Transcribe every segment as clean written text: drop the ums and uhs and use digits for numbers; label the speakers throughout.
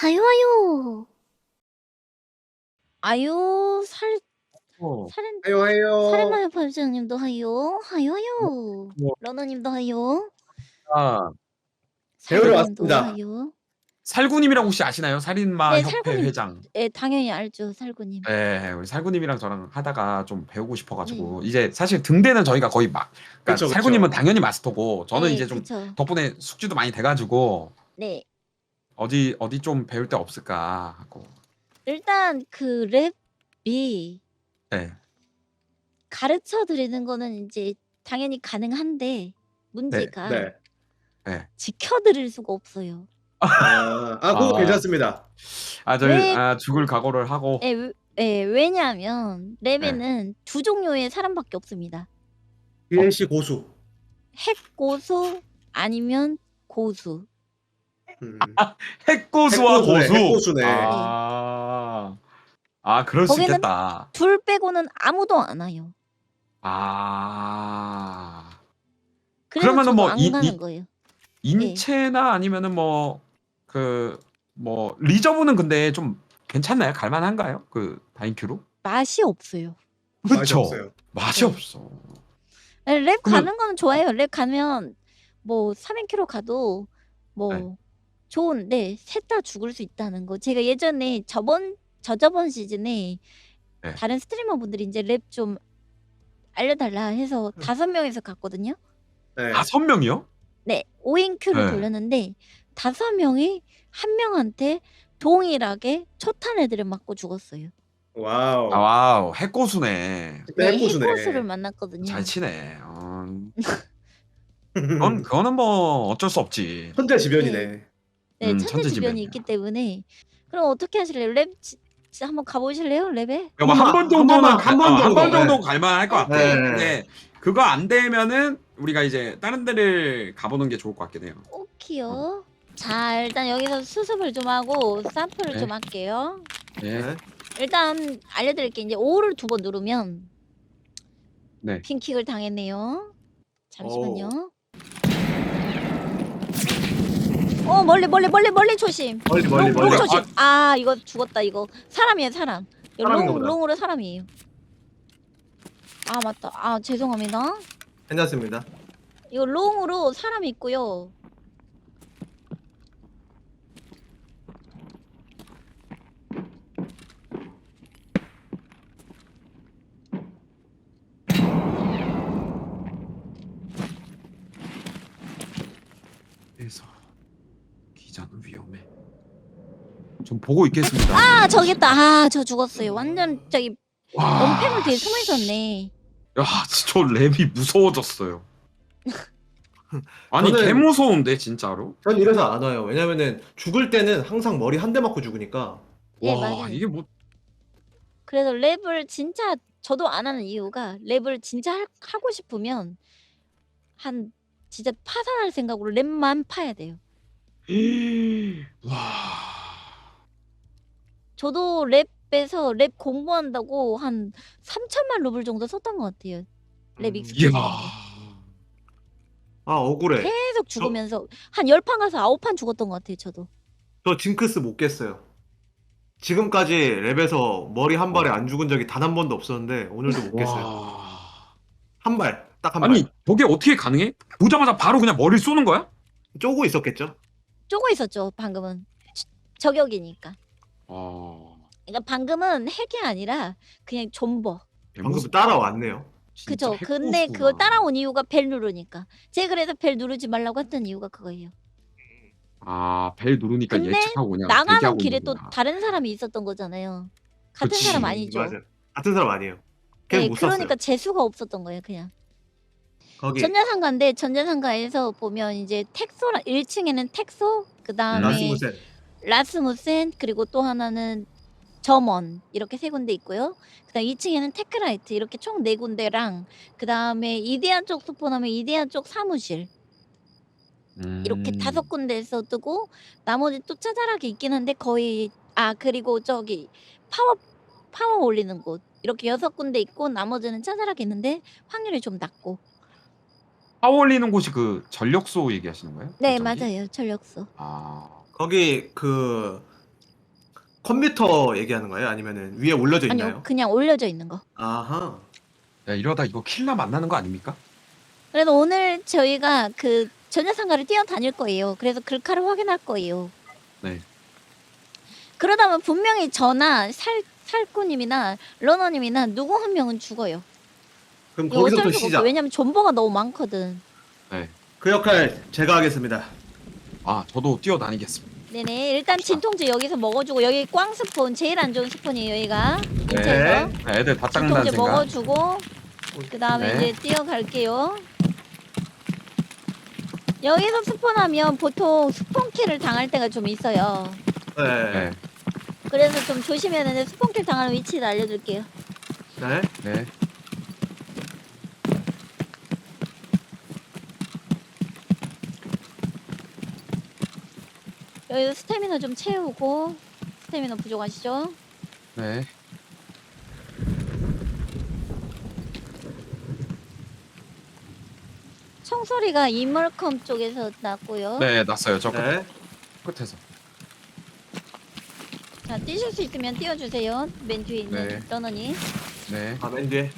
Speaker 1: 하요 하요. 아유 살인
Speaker 2: 하요 하요.
Speaker 1: 살인마요 반장님도 하요. 하요 하요.
Speaker 3: 뭐
Speaker 1: 러너님도 하요.
Speaker 3: 아
Speaker 2: 배우러
Speaker 1: 살구님도
Speaker 2: 왔습니다.
Speaker 1: 하요.
Speaker 3: 살구님이랑 혹시 아시나요? 살인마
Speaker 1: 네,
Speaker 3: 협회
Speaker 1: 살구님.
Speaker 3: 회장.
Speaker 1: 예, 당연히 알죠, 살구님.
Speaker 3: 예. 우리 살구님이랑 저랑 하다가 좀 배우고 싶어
Speaker 1: 네.
Speaker 3: 가지고 이제 사실 등대는 저희가 거의 막 그러니까
Speaker 2: 그쵸,
Speaker 3: 살구님은
Speaker 2: 그쵸.
Speaker 3: 당연히 마스터고 저는
Speaker 1: 예,
Speaker 3: 이제 좀
Speaker 1: 그쵸.
Speaker 3: 덕분에 숙지도 많이 돼 가지고
Speaker 1: 네.
Speaker 3: 어디 좀 배울 데 없을까 하고.
Speaker 1: 일단 그 랩이
Speaker 3: 예.
Speaker 1: 가르쳐 드리는 거는 인제 당연히 가능한데
Speaker 3: 네.
Speaker 1: 문제가
Speaker 2: 네.
Speaker 3: 예.
Speaker 1: 지켜 드릴 수가 없어요.
Speaker 2: 그거
Speaker 3: 아.
Speaker 2: 괜찮습니다.
Speaker 3: 저희
Speaker 1: 왜
Speaker 3: 죽을 각오를 하고.
Speaker 1: 예, 왜냐하면
Speaker 3: 예.
Speaker 1: 랩에는 두 종류의 사람밖에 없습니다.
Speaker 2: DLC 고수.
Speaker 1: 핵고수 아니면 고수.
Speaker 3: 핵고수와
Speaker 2: 핵고수네,
Speaker 3: 고수.
Speaker 2: 핵고수네.
Speaker 3: 그럴 수
Speaker 1: 거기는
Speaker 3: 있겠다.
Speaker 1: 둘 빼고는 아무도 안 와요. 그래서
Speaker 3: 그러면은
Speaker 1: 저도
Speaker 3: 뭐
Speaker 1: 안 가는 거예요. 예.
Speaker 3: 인체나 아니면은 리저브는 근데 좀 괜찮나요? 갈 만한가요? 그 다인큐로?
Speaker 1: 맛이 없어요.
Speaker 2: 맛이
Speaker 3: 그쵸.
Speaker 2: 없어요.
Speaker 3: 맛이
Speaker 1: 네.
Speaker 3: 없어.
Speaker 1: 예, 랩
Speaker 3: 그러면
Speaker 1: 가는 거는 좋아요. 랩 가면 뭐 300km 가도
Speaker 3: 네.
Speaker 1: 뭐 좋은데 셋 다 죽을 수 있다는 거. 제가 예전에 저저번 시즌에
Speaker 3: 네.
Speaker 1: 다른 스트리머분들이 인제 랩 좀 알려달라 해서 5명이서 갔거든요.
Speaker 2: 네.
Speaker 3: 5명이요?
Speaker 1: 네. 5인 큐를
Speaker 3: 네.
Speaker 1: 돌렸는데 5명이 1명한테 동일하게 초탄 애들을 맞고 죽었어요.
Speaker 2: 와우.
Speaker 3: 와우. 핵고수네.
Speaker 2: 진짜
Speaker 1: 네,
Speaker 2: 핵고수네.
Speaker 1: 핵고수를 만났거든요.
Speaker 3: 잘 치네. 그거는 뭐 어쩔 수 없지.
Speaker 2: 천재지변이네.
Speaker 1: 네,
Speaker 3: 천재지변이야.
Speaker 1: 천재지변이 있기 때문에. 그럼 어떻게 하실래요? 랩 진짜 한번 가 보실래요? 랩에?
Speaker 3: 뭐 한 번 정도는
Speaker 2: 한 번
Speaker 3: 한 번
Speaker 2: 정도.
Speaker 3: 정도 갈 만할 것 같아.
Speaker 2: 네.
Speaker 3: 근데 그거 안 되면은 우리가 이제 다른 데를 가보는 게 좋을 것 같긴 해요.
Speaker 1: 오키요. 자, 일단 여기서 수습을 좀 하고 샘플을
Speaker 3: 네.
Speaker 1: 좀 할게요.
Speaker 3: 네.
Speaker 1: 일단 알려드릴게. 이제 O를 2번 누르면
Speaker 3: 네.
Speaker 1: 핑킥을 당했네요. 잠시만요. 멀리 조심.
Speaker 2: 멀리.
Speaker 1: 롱 조심. 이거 죽었다 이거. 사람이에요, 사람.
Speaker 2: 사람인가 보다.
Speaker 1: 롱으로 사람이에요. 맞다. 죄송합니다.
Speaker 2: 괜찮습니다.
Speaker 1: 이거 롱으로 사람이 있고요.
Speaker 3: 그래서 기자는 위험해. 좀 보고 있겠습니다.
Speaker 1: 저기 있다. 저 죽었어요. 완전 저기
Speaker 3: 와,
Speaker 1: 원패물 뒤에 숨어 있었네.
Speaker 3: 야, 저 랩이 무서워졌어요. 아니, 개 무서운데 진짜로?
Speaker 2: 전 이래서 안 와요. 왜냐면은 죽을 때는 항상 머리 한 대 맞고 죽으니까.
Speaker 1: 예,
Speaker 3: 와,
Speaker 1: 맞아요.
Speaker 3: 이게 뭐
Speaker 1: 그래서 랩을 진짜 저도 안 하는 이유가 랩을 진짜 하고 싶으면 진짜 파산할 생각으로 랩만 파야 돼요.
Speaker 3: 와.
Speaker 1: 저도 랩에서 랩 공부한다고 한 3천만 루블 정도 썼던 것 같아요. 랩 익숙해지는데.
Speaker 2: 억울해.
Speaker 1: 계속 죽으면서 한 10판 가서 9판 죽었던 것 같아요, 저도.
Speaker 2: 저 징크스 못 깼어요. 지금까지 랩에서 머리 한 발에 안 죽은 적이 단 한 번도 없었는데 오늘도 못 깼어요. 한 발, 딱 한
Speaker 3: 아니,
Speaker 2: 발.
Speaker 3: 저게 어떻게 가능해? 보자마자 바로 그냥 머리를 쏘는 거야?
Speaker 2: 쪼고 있었겠죠?
Speaker 1: 쪼고 있었죠, 방금은. 저격이니까. 그러니까 방금은 핵이 아니라 그냥 존버.
Speaker 2: 방금 따라왔네요.
Speaker 1: 그쵸. 근데 그걸 따라온 이유가 벨 누르니까. 제가 그래서 벨 누르지 말라고 했던 이유가 그거예요.
Speaker 3: 벨 누르니까
Speaker 1: 근데
Speaker 3: 예측하고 그냥
Speaker 1: 나가는
Speaker 3: 대기하고
Speaker 1: 길에
Speaker 3: 있는
Speaker 1: 또
Speaker 3: 거구나.
Speaker 1: 다른 사람이 있었던 거잖아요. 같은
Speaker 3: 그치.
Speaker 1: 사람 아니죠.
Speaker 2: 맞아요. 같은 사람 아니에요. 걔는
Speaker 1: 네,
Speaker 2: 못
Speaker 1: 그러니까
Speaker 2: 샀어요.
Speaker 1: 재수가 없었던 거예요, 그냥.
Speaker 2: 거기
Speaker 1: 전자상가인데 전자상가에서 보면 이제 텍소랑 1층에는 텍소, 그다음에 라스무센, 그리고 또 하나는 점원 이렇게 3군데 있고요. 그다음 2층에는 테크라이트 이렇게 총 4군데랑 그다음에 이데아 쪽 스폰하면 이데아 쪽 사무실 이렇게 5군데에서 뜨고 나머지 또 짜잘하게 있긴 한데 거의 그리고 저기 파워 올리는 곳 이렇게 6군데 있고 나머지는 짜잘하게 있는데 확률이 좀 낮고.
Speaker 3: 파워 올리는 곳이 그 전력소 얘기하시는 거예요?
Speaker 1: 네,
Speaker 3: 저기?
Speaker 1: 맞아요. 전력소.
Speaker 2: 거기 그 컴퓨터 얘기하는 거예요? 아니면은 위에 올려져 있나요?
Speaker 1: 아니요, 그냥 올려져 있는 거.
Speaker 2: 아하.
Speaker 3: 야, 이러다 이거 킬라 만나는 거 아닙니까?
Speaker 1: 그래서 오늘 저희가 그 전자상가를 뛰어다닐 거예요. 그래서 글카를 확인할 거예요.
Speaker 3: 네.
Speaker 1: 그러다 보면 분명히 저나 살꾸님이나 러너님이나 누구 한 명은 죽어요.
Speaker 2: 그럼
Speaker 1: 이거 어쩔
Speaker 2: 거기서부터
Speaker 1: 수가 없어.
Speaker 2: 시작.
Speaker 1: 왜냐면 존버가 너무 많거든.
Speaker 3: 네.
Speaker 2: 그 역할 제가 하겠습니다.
Speaker 3: 아, 저도 뛰어다니겠습니다.
Speaker 1: 네네. 일단 진통제 여기서 먹어주고 여기 꽝 스푼 제일 안 좋은 스푼이에요. 여기가 근처에서
Speaker 2: 네.
Speaker 3: 애들 다 짱난
Speaker 1: 진통제
Speaker 3: 생각.
Speaker 1: 먹어주고 그 다음에
Speaker 3: 네.
Speaker 1: 이제 뛰어갈게요. 여기서 스폰하면 보통 스폰킬을 당할 때가 좀 있어요.
Speaker 2: 네.
Speaker 3: 네.
Speaker 1: 그래서 좀 조심해야 되는데 스폰킬 당하는 위치를 알려줄게요.
Speaker 2: 네.
Speaker 3: 네.
Speaker 1: 여기서 스태미너 좀 채우고 스태미너 부족하시죠?
Speaker 3: 네.
Speaker 1: 총소리가 이멀컴 쪽에서 났고요.
Speaker 3: 네, 났어요. 저
Speaker 2: 네.
Speaker 3: 끝에서.
Speaker 1: 자, 뛰실 수 있으면 뛰어주세요. 맨 뒤에 있는
Speaker 3: 네.
Speaker 1: 러너님.
Speaker 3: 네.
Speaker 2: 아, 맨 뒤에.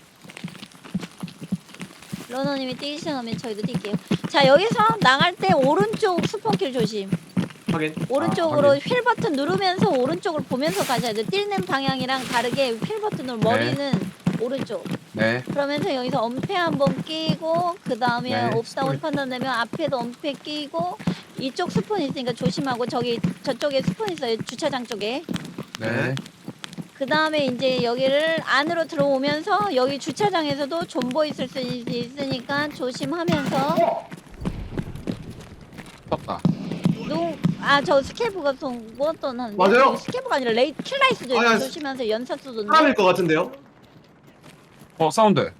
Speaker 1: 러너님이 뛰시면 저희도 뛸게요. 자, 여기서 나갈 때 오른쪽 스폰킬 조심.
Speaker 2: 확인.
Speaker 1: 오른쪽으로
Speaker 3: 확인.
Speaker 1: 휠 버튼 누르면서 오른쪽을 보면서 가셔야 돼요. 뛰는 방향이랑 다르게 휠 버튼으로 머리는 오른쪽.
Speaker 3: 네.
Speaker 1: 그러면서 여기서 엄폐 한번 끼고 그 다음에
Speaker 3: 네,
Speaker 1: 옵다운
Speaker 3: 스프링.
Speaker 1: 판단 되면 앞에도 엄폐 끼고 이쪽 스폰 있으니까 조심하고 저쪽에 스폰 있어요. 주차장 쪽에.
Speaker 3: 네.
Speaker 1: 그 다음에 이제 여기를 안으로 들어오면서 여기 주차장에서도 존버 있을 수 있으니까 조심하면서
Speaker 3: 떴다.
Speaker 1: 저 스케브가 쏜거던 하는데
Speaker 2: 맞아요?
Speaker 1: 스케브가 아니라 킬라이스도
Speaker 2: 아니,
Speaker 1: 조심하면서 연사 쏘던데
Speaker 2: 사람일 것 같은데요?
Speaker 3: 사운드.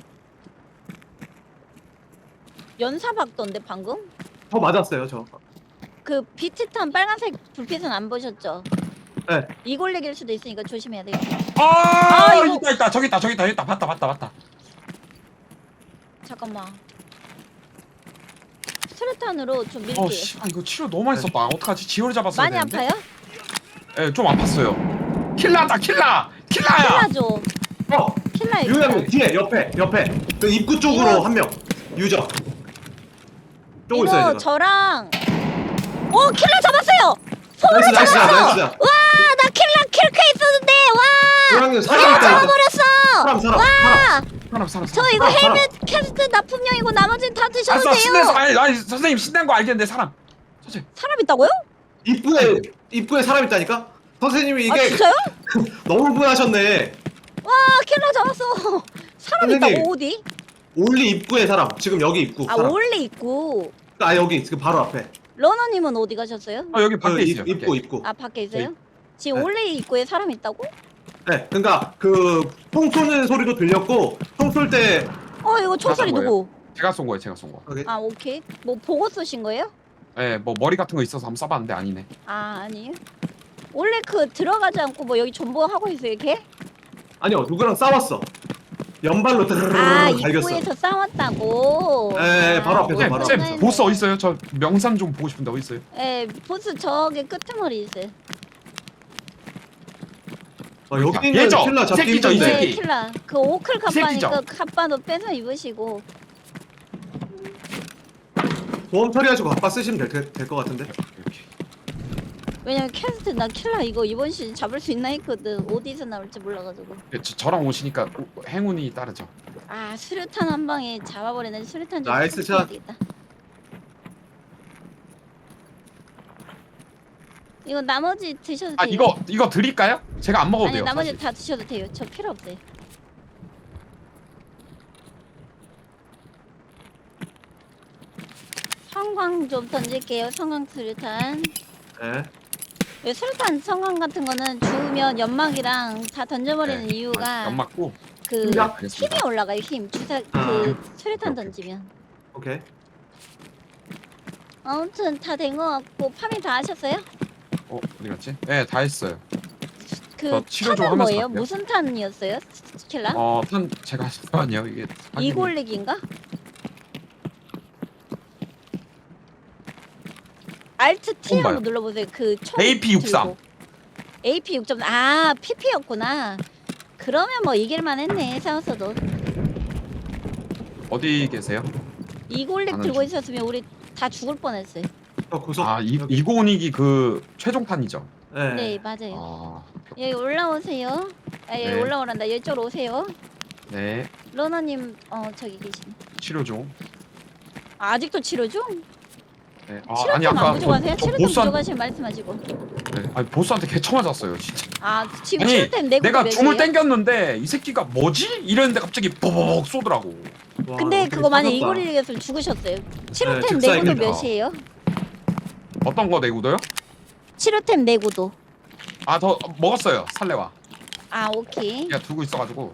Speaker 1: 연사 박던데 방금
Speaker 2: 저 맞았어요, 저.
Speaker 1: 그 비트탄 빨간색 불빛은 안 보셨죠?
Speaker 2: 네.
Speaker 1: 이골렉일 수도 있으니까 조심해야 돼요. 이거-
Speaker 3: 있다. 저기 있다. 봤다.
Speaker 1: 잠깐만. 스레탄으로 좀 밀게요.
Speaker 3: 이거 치료 너무 많이 썼다. 어떡하지? 지혈 잡았어야
Speaker 1: 많이
Speaker 3: 되는데.
Speaker 1: 아파요?
Speaker 3: 예, 좀 아팠어요. 킬라다, 킬라야.
Speaker 1: 킬라죠. 킬라예요.
Speaker 2: 유형님 뒤에 옆에 그 입구 쪽으로
Speaker 1: 이거-
Speaker 2: 한 명. 유저. 쪼고
Speaker 1: 이거
Speaker 2: 있어요, 지금.
Speaker 1: 저랑 킬라 잡았어요. 손으로
Speaker 2: 나이스.
Speaker 1: 와, 나 킬카 있었는데 와.
Speaker 2: 유형님
Speaker 1: 킬라
Speaker 2: 사람 있다.
Speaker 1: 잡아버렸어.
Speaker 2: 사람.
Speaker 3: 살았어.
Speaker 1: 저 이거
Speaker 2: 사람.
Speaker 1: 헬멧 캐스트 납품용이고 나머지는 다 드셔도
Speaker 3: 알았어, 신내서
Speaker 1: 돼요.
Speaker 3: 아니, 선생님 신난 거 알겠는데 사람. 선생님.
Speaker 1: 사람 있다고요?
Speaker 2: 입구에 사람 있다니까? 선생님이
Speaker 1: 아
Speaker 2: 이게
Speaker 1: 진짜요?
Speaker 2: 너무 흥분하셨네.
Speaker 1: 와 킬라 잡았어. 사람
Speaker 2: 선생님.
Speaker 1: 있다고 어디?
Speaker 2: 올리 입구에 사람. 지금 여기 입구.
Speaker 1: 아
Speaker 2: 사람.
Speaker 1: 원래 있고.
Speaker 2: 아 여기 지금 바로 앞에.
Speaker 1: 러너님은 어디 가셨어요?
Speaker 3: 여기 밖에 있어요.
Speaker 2: 입구.
Speaker 1: 아 밖에 있어요?
Speaker 3: 네.
Speaker 1: 지금
Speaker 2: 네.
Speaker 1: 원래 입구에 사람 있다고?
Speaker 2: 네, 그러니까 그 총 쏘는 소리도 들렸고 총 쏠 때
Speaker 1: 이거 총소리
Speaker 3: 거예요?
Speaker 1: 누구?
Speaker 3: 제가 쏜 거예요.
Speaker 1: 아 오케이. 뭐 보고 쏘신 거예요?
Speaker 3: 예, 뭐 머리 같은 거 있어서 한번 써봤는데 아니네.
Speaker 1: 아 아니에요. 원래 그 들어가지 않고 뭐 여기 존버 하고 있어요 걔?
Speaker 2: 아니요 누구랑 싸웠어. 연발로
Speaker 1: 아
Speaker 2: 드르르르 갈겼어.
Speaker 1: 입구에서 싸웠다고.
Speaker 2: 네, 바로 앞에서,
Speaker 3: 쌤,
Speaker 2: 바로
Speaker 3: 쌤
Speaker 2: 앞에서.
Speaker 3: 보스 어디 있어요? 저 명산 좀 보고 싶은데 어디 있어요?
Speaker 1: 예, 보스 저기 끄트머리 있어요.
Speaker 2: 여기 있는
Speaker 3: 얘죠?
Speaker 2: 킬러 잡기
Speaker 3: 새끼죠, 이
Speaker 2: 힘든데.
Speaker 3: 새끼.
Speaker 1: 네, 킬라. 그 오클
Speaker 3: 이 새끼죠?
Speaker 1: 갑바니까 갑바도 빼서 입으시고.
Speaker 2: 보험 처리하시고 바빠 쓰시면 될 것 같은데.
Speaker 3: 이렇게.
Speaker 1: 왜냐면 캐스트 나 킬라 이거 이번 시즌 잡을 수 있나 했거든. 어디서 나올지 몰라가지고.
Speaker 3: 예, 저랑 오시니까 행운이 따르죠.
Speaker 1: 아 수류탄 한 방에 잡아버리는 수류탄 좀
Speaker 2: 나이스
Speaker 1: 쏘셔야
Speaker 2: 샷.
Speaker 1: 되겠다. 이거 나머지 드셔도
Speaker 3: 아
Speaker 1: 돼요.
Speaker 3: 이거 드릴까요? 제가 안 먹어도
Speaker 1: 아니
Speaker 3: 돼요.
Speaker 1: 나머지
Speaker 3: 사실.
Speaker 1: 다 드셔도 돼요. 저 필요 없어요. 성광 좀 던질게요. 성광 수류탄.
Speaker 2: 네.
Speaker 1: 이 수류탄 성광 같은 거는 주우면 연막이랑 다 던져버리는
Speaker 3: 네.
Speaker 1: 이유가
Speaker 3: 연 맞고.
Speaker 1: 그
Speaker 2: 야,
Speaker 3: 알겠습니다.
Speaker 1: 힘이 올라가요. 힘 주사
Speaker 2: 아.
Speaker 1: 그 수류탄
Speaker 3: 오케이.
Speaker 1: 던지면.
Speaker 2: 오케이.
Speaker 1: 아무튼 다 된 거 같고 파밍 다 하셨어요?
Speaker 3: 어디 갔지? 네, 다 했어요.
Speaker 1: 그
Speaker 3: 저 치료 좀
Speaker 1: 탄은
Speaker 3: 하면서
Speaker 1: 뭐예요?
Speaker 3: 갈게요.
Speaker 1: 무슨 탄이었어요? 스킬라?
Speaker 3: 탄 제가 잠깐만요. 이게
Speaker 1: 이골릭인가? 알트 T
Speaker 3: 처음 봐요.
Speaker 1: 한번 눌러보세요. 그 총
Speaker 3: AP63.
Speaker 1: 들고. AP 6점. 아, PP였구나. 그러면 뭐 이길만 했네, 싸웠어도.
Speaker 3: 어디 계세요?
Speaker 1: 이골릭
Speaker 3: 나는
Speaker 1: 들고
Speaker 3: 좀-
Speaker 1: 있었으면 우리 다 죽을 뻔했어요.
Speaker 2: 구석.
Speaker 3: 아,
Speaker 2: 여기.
Speaker 3: 이고닉이 그 최종판이죠.
Speaker 2: 네.
Speaker 1: 네, 맞아요.
Speaker 3: 아,
Speaker 1: 여기 올라오세요. 아, 여기
Speaker 3: 네.
Speaker 1: 올라오란다. 이쪽으로 오세요.
Speaker 3: 네.
Speaker 1: 러너님, 저기 계시네.
Speaker 3: 치료 중.
Speaker 1: 아, 아직도 치료 중?
Speaker 3: 네.
Speaker 1: 치료템 안 부족하세요? 치료템
Speaker 3: 보스한,
Speaker 1: 부족하시면 말씀하시고.
Speaker 3: 네. 아니, 보스한테 개쳐 맞았어요, 진짜.
Speaker 1: 아, 지금
Speaker 3: 아니,
Speaker 1: 치료템 내고
Speaker 3: 내가 줌을
Speaker 1: 몇이에요?
Speaker 3: 땡겼는데 이 새끼가 뭐지? 이랬는데 갑자기 버벅 쏘더라고.
Speaker 2: 와,
Speaker 1: 근데
Speaker 2: 어떻게
Speaker 1: 그거 만약
Speaker 2: 찾았다.
Speaker 1: 이골릭에서 죽으셨어요. 치료템
Speaker 2: 즉사입니다.
Speaker 1: 내구도 몇이에요?
Speaker 3: 어떤 거 내구도요?
Speaker 1: 치료템 내구도.
Speaker 3: 아, 더 먹었어요. 살레와.
Speaker 1: 아, 오케이.
Speaker 3: 그냥 두고 있어가지고.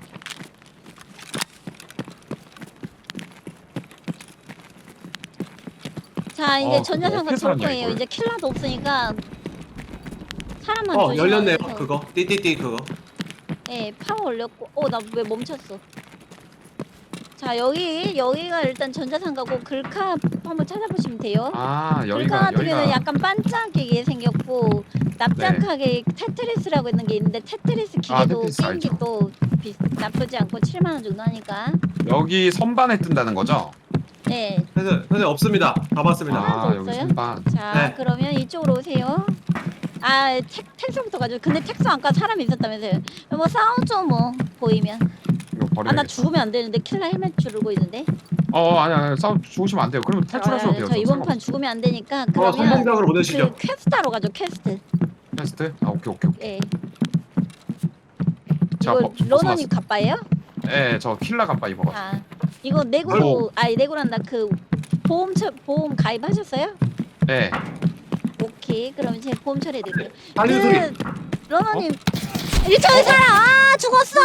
Speaker 1: 자, 이제
Speaker 3: 그거
Speaker 1: 전자상가
Speaker 3: 어떻게
Speaker 1: 볼
Speaker 3: 살았냐,
Speaker 1: 거예요.
Speaker 3: 이걸.
Speaker 1: 이제 킬러도 없으니까 사람만 조심하면서.
Speaker 2: 열렸네요. 그거. 띠띠띠 그거.
Speaker 1: 네, 파워 올렸고. 나 왜 멈췄어? 자, 여기가 일단 전자상가고 글카 한번 찾아보시면 돼요.
Speaker 3: 아,
Speaker 1: 글카
Speaker 3: 여기가
Speaker 1: 같은 경우는
Speaker 3: 여기가
Speaker 1: 약간 반짝이게 생겼고 납작하게 테트리스라고 있는 게 있는데 테트리스 기계도
Speaker 3: 테트리스 알죠.
Speaker 1: 게임기도 나쁘지 않고 7만 원 정도 하니까.
Speaker 3: 여기 선반에 뜬다는 거죠?
Speaker 1: 네.
Speaker 2: 선생님 없습니다. 다 봤습니다.
Speaker 1: 하나도
Speaker 3: 아, 여기
Speaker 1: 없어요?
Speaker 3: 선반.
Speaker 1: 자,
Speaker 2: 네.
Speaker 1: 그러면 이쪽으로 오세요. 아, 텍소부터 가지고. 근데 텍소 아까 사람이 있었다면서요. 뭐 싸우죠 뭐 보이면.
Speaker 3: 이거
Speaker 1: 아, 나
Speaker 3: 버려야겠다.
Speaker 1: 죽으면 안 되는데 킬러 헬멧 주르고 있는데.
Speaker 3: 아니, 싸움 죽으시면 안 돼요. 그러면 탈출하셔도 돼요.
Speaker 1: 저 이번
Speaker 3: 상관없어요.
Speaker 1: 판 죽으면 안 되니까 그러면
Speaker 2: 선봉장으로 보내시죠.
Speaker 1: 그 퀘스트하러 가죠. 퀘스트.
Speaker 3: 퀘스트? 아, 오케이.
Speaker 1: 예.
Speaker 3: 자,
Speaker 1: 이거 러너님 갑바예요?
Speaker 3: 네, 저 킬라 갑바 입어가지고.
Speaker 1: 아, 이거 내구도 내구란다. 그 보험 가입하셨어요?
Speaker 3: 네.
Speaker 1: 오케이. 그럼 제가 보험 처리해드릴게요.
Speaker 2: 달린 소리.
Speaker 1: 러너님 1층에 살아. 죽었어.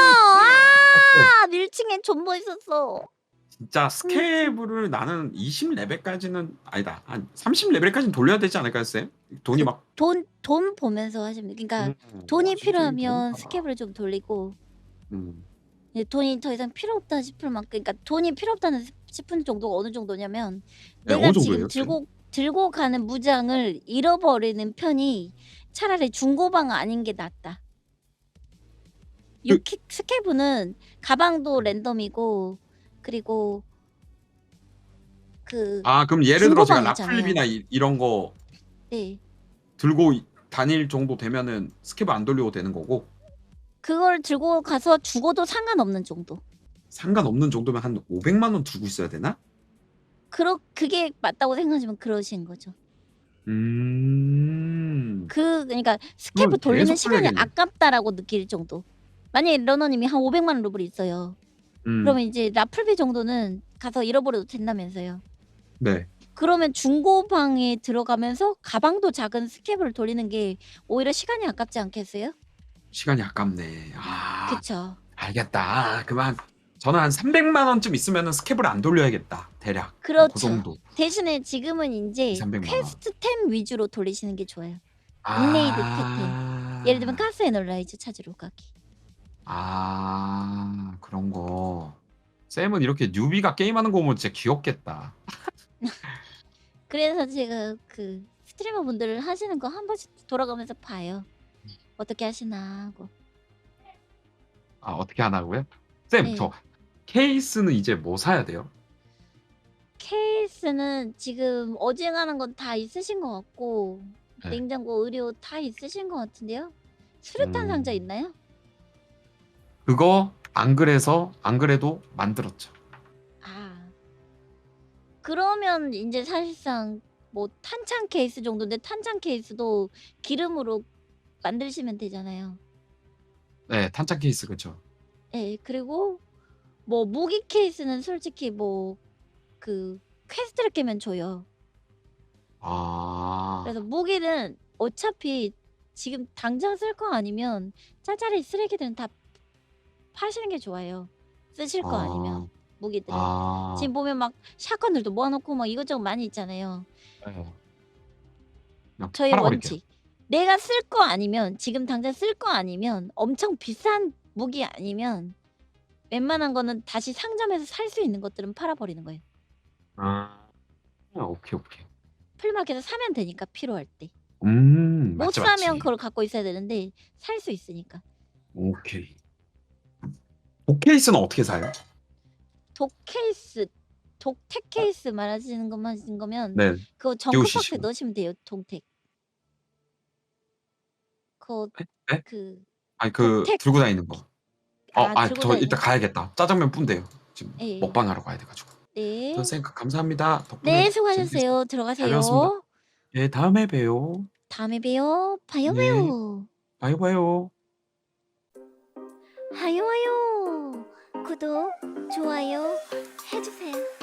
Speaker 1: 밀층에 존버 있었어.
Speaker 3: 진짜 스케이블을 나는 20레벨까지는 아니다. 한 30레벨까지는 돌려야 되지 않을까요, 쌤? 돈이 막
Speaker 1: 돈 보면서 하시면 돼요. 그러니까 돈이 필요하면 스캡을 좀 돌리고 이제 돈이 더 이상 필요 없다 싶을 만큼, 그러니까 돈이 필요 없다는 싶은 정도가 어느 정도냐면
Speaker 3: 네,
Speaker 1: 내가
Speaker 3: 어느
Speaker 1: 지금
Speaker 3: 정도예요,
Speaker 1: 들고 가는 무장을 잃어버리는 편이 차라리 중고방 아닌 게 낫다. 스케브는 가방도 랜덤이고 그리고
Speaker 3: 그럼 예를 들어 제가
Speaker 1: 중고방이잖아요.
Speaker 3: 라플립이나 이런 거
Speaker 1: 네.
Speaker 3: 들고 다닐 정도 되면은 스케이블 안 돌려도 되는 거고
Speaker 1: 그걸 들고 가서 죽어도 상관없는 정도.
Speaker 3: 상관없는 정도면 한 500만 원 들고 있어야 되나?
Speaker 1: 그게 맞다고 생각하시면 그러신 거죠. 그러니까 스케브
Speaker 3: 그럼
Speaker 1: 돌리는
Speaker 3: 계속
Speaker 1: 시간이
Speaker 3: 돌려야겠네.
Speaker 1: 아깝다라고 느낄 정도. 만약에 러너님이 한 500만 루블 있어요. 그러면 이제 라플비 정도는 가서 잃어버려도 된다면서요.
Speaker 3: 네.
Speaker 1: 그러면 중고방에 들어가면서 가방도 작은 스케브를 돌리는 게 오히려 시간이 아깝지 않겠어요?
Speaker 3: 시간이 아깝네.
Speaker 1: 그쵸.
Speaker 3: 알겠다. 그만. 저는 한 300만 원쯤 있으면은 스케이블 안 돌려야겠다. 대략.
Speaker 1: 그렇죠.
Speaker 3: 그 정도.
Speaker 1: 대신에 지금은 이제
Speaker 3: 300만 원.
Speaker 1: 퀘스트템 위주로 돌리시는 게 좋아요. 인레이드 템. 예를 들면 가스 에너라이즈 찾으러 가기.
Speaker 3: 그런 거. 쌤은 이렇게 뉴비가 게임하는 거 보면 진짜 귀엽겠다.
Speaker 1: 그래서 제가 그 스트리머 분들 하시는 거 한 번씩 돌아가면서 봐요. 어떻게 하시나 하고.
Speaker 3: 어떻게 하나고요? 쌤,
Speaker 1: 네.
Speaker 3: 저 케이스는 이제 뭐 사야 돼요?
Speaker 1: 케이스는 지금 어지간한 건 다 있으신 것 같고
Speaker 3: 네.
Speaker 1: 냉장고, 의료 다 있으신 것 같은데요? 수류탄 상자 있나요?
Speaker 3: 그거 안 그래도 만들었죠.
Speaker 1: 그러면 이제 사실상 뭐 탄창 케이스 정도인데 탄창 케이스도 기름으로 만드시면 되잖아요.
Speaker 3: 네, 탄창 케이스 그쵸.
Speaker 1: 네, 그리고 뭐 무기 케이스는 솔직히 뭐 그 퀘스트를 깨면 줘요. 그래서 무기는 어차피 지금 당장 쓸 거 아니면 짜잘이 쓰레기들은 다 파시는 게 좋아요. 쓰실 거 아니면 무기들. 지금 보면 막 샷건들도 모아놓고 막 이것저것 많이 있잖아요.
Speaker 3: 네. 그냥
Speaker 1: 저희
Speaker 3: 팔아버릴게요.
Speaker 1: 원칙. 내가 쓸 거 아니면 지금 당장 쓸 거 아니면 엄청 비싼 무기 아니면 웬만한 거는 다시 상점에서 살 수 있는 것들은 팔아버리는 거예요.
Speaker 3: 오케이.
Speaker 1: 플리마켓에서 사면 되니까 필요할 때. 못
Speaker 3: 맞지,
Speaker 1: 사면
Speaker 3: 맞지.
Speaker 1: 그걸 갖고 있어야 되는데 살 수 있으니까.
Speaker 3: 오케이. 복케이스는 어떻게 사요?
Speaker 1: 독 케이스, 독택 케이스 말하시는 거면
Speaker 3: 네.
Speaker 1: 그거 정크박스에
Speaker 3: 끼우시죠.
Speaker 1: 넣으시면 돼요. 동택. 그거
Speaker 3: 네? 네?
Speaker 1: 그
Speaker 3: 아니 그
Speaker 1: 독택
Speaker 3: 들고 다니는 거.
Speaker 1: 들고
Speaker 3: 저
Speaker 1: 다니는
Speaker 3: 일단
Speaker 1: 거.
Speaker 3: 가야겠다. 짜장면 뿐데요. 지금
Speaker 1: 예.
Speaker 3: 먹방하러 가야 돼가지고.
Speaker 1: 네.
Speaker 3: 선생님 감사합니다. 덕분에
Speaker 1: 네,
Speaker 3: 재밌게
Speaker 1: 수고하셨어요.
Speaker 3: 잘 배웠습니다.
Speaker 1: 들어가세요.
Speaker 3: 예, 다음에 봬요.
Speaker 1: 다음에 봬요. 봐요,
Speaker 3: 네,
Speaker 1: 봐요.
Speaker 3: 봐요, 봐요.
Speaker 1: 하요, 하요. 구독, 좋아요 해주세요.